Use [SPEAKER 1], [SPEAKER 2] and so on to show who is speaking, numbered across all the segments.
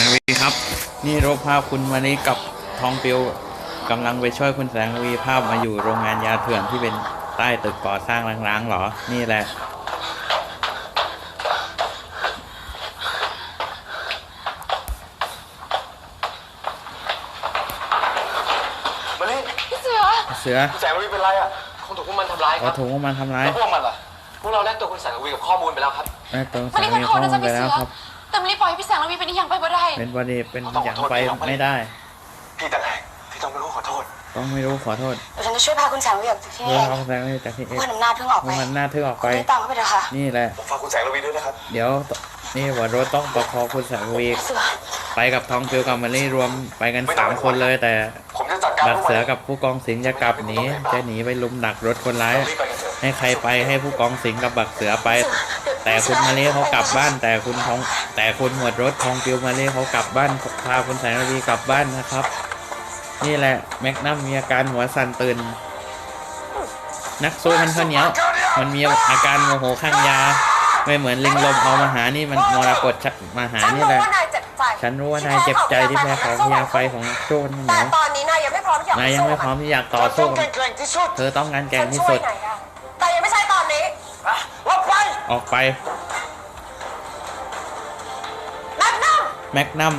[SPEAKER 1] วีครับนี่รูปภาพคุณวันนี้กับทองปิวกำลังไปช่วยคุณแสงวีภาพมาอยู่โรงงานยาเถื่อนที่เป็นใต้ตึกก่อสร้างร้างๆหรอนี่แหละ
[SPEAKER 2] มาลิ
[SPEAKER 1] เสือ
[SPEAKER 2] คุณแสงวีเป็นไรอ่ะคงถูกพวกมันทำร้ายครับ
[SPEAKER 1] ถูกพวกมันทำร้าย
[SPEAKER 2] แล้วพวกมันล่ะพวกเราได้ตัวคุณแสงวีกับข้อมูลไปแล้วครับ
[SPEAKER 1] ได้ตัวแสงวีข้อมูลไปแล้วครับ
[SPEAKER 3] แต่ไม่ได้ปล่อยพี่แสงระวีเป็นอย่างไปบ่ได้
[SPEAKER 1] เป็นวันนี้เป็นอย่างไปไม่ได้
[SPEAKER 2] พี่ต่างหากที่ต้องไม่รู้ขอโทษ
[SPEAKER 1] ต้องไม่รู้ขอโทษ
[SPEAKER 3] ฉันจะช่วยพาคุณแสงระวีออกจากที่นี่
[SPEAKER 1] พาคุณแสงวีจากที่
[SPEAKER 3] เพื่อนอำนาจเพิ่งออกไป
[SPEAKER 1] มันน่าทึ่งออกไป
[SPEAKER 3] ตามเข้าไปเถอะค่ะ
[SPEAKER 1] นี่แหละ
[SPEAKER 2] ผมฝากคุณแสงระวีด้วยนะครับ
[SPEAKER 1] เดี๋ยวนี่ว่ารถต้องประคองคุณแสงวีไปกับทองปิวกับมาลี่รวมไปกัน3 คนเลยแต่บักเสือกับผู้กองสิงห์จะกลับหนีจะหนีไปลุมดักรถคนร้ายให้ใครไปให้ผู้กองสิงห์กับบักเสือไปแต่คุณมาลี่เขากลับบ้านแต่คุณหมวดรถทองปิวมาลี่เขากลับบ้านพาคุณแสงระวีกลับบ้านนะครับนี่แหละแมกนัมมีอาการหัวสั่นตื่นนักสู้มันข้าวเหนียวมันมีอาการโมโหข้างยาไม่เหมือนลิงลมเอามาหานี่มันมรกตมาหานี่แหละฉันรู้ว่านายเจ็บใจที่แพ้ของพยาไฟของโจ้นเหนียว
[SPEAKER 3] ตอนนี้นายยังไม่พร้อม
[SPEAKER 1] ที่อยากต่อสู้เธอต้องการแก่งที่สุด
[SPEAKER 3] แต่ยังไม่ใช่ตอนนี้
[SPEAKER 1] ออกไปแมกนัม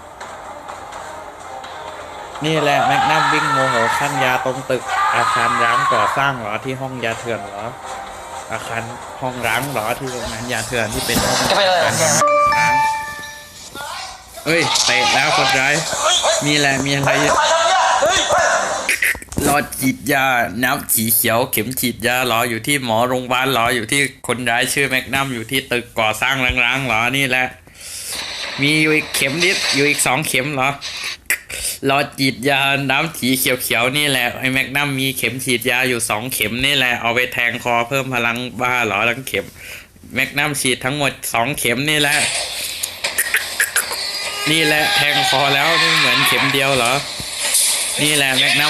[SPEAKER 1] นี่แหละแมกนัมวิ่งโมโหข้างยาตรงตึกอาคารร้างก่อสร้างเหรอที่ห้องยาเถื่อนเหรออาคารห้องร้างเหรอที่โรงงานยาเถื่อนที่เป็นห้องร้างเอ้ยเตะแล้วคนร้ายมีอะไรรอฉีดยาน้ำสีเขียวเข็มฉีดยารออยู่ที่หมอโรงพยาบาลรออยู่ที่คนร้ายชื่อแมกนัมอยู่ที่ตึกก่อสร้างร้างๆเหรอนี่แหละมีอยู่อีกเข็มนิดอยู่อีก2 เข็มเหรอรอฉีดยาน้ำสีเขียวๆนี่แหละไอ้แมกนัมมีเข็มฉีดยาอยู่2 เข็มนี่แหละเอาไปแทงคอเพิ่มพลังบ้าเหรอทั้งเข็มแมกนัมฉีดทั้งหมด2 เข็มนี่แหละแทงคอแล้วนี่เหมือนเข็มเดียวเหรอนี่แหละแมกนัม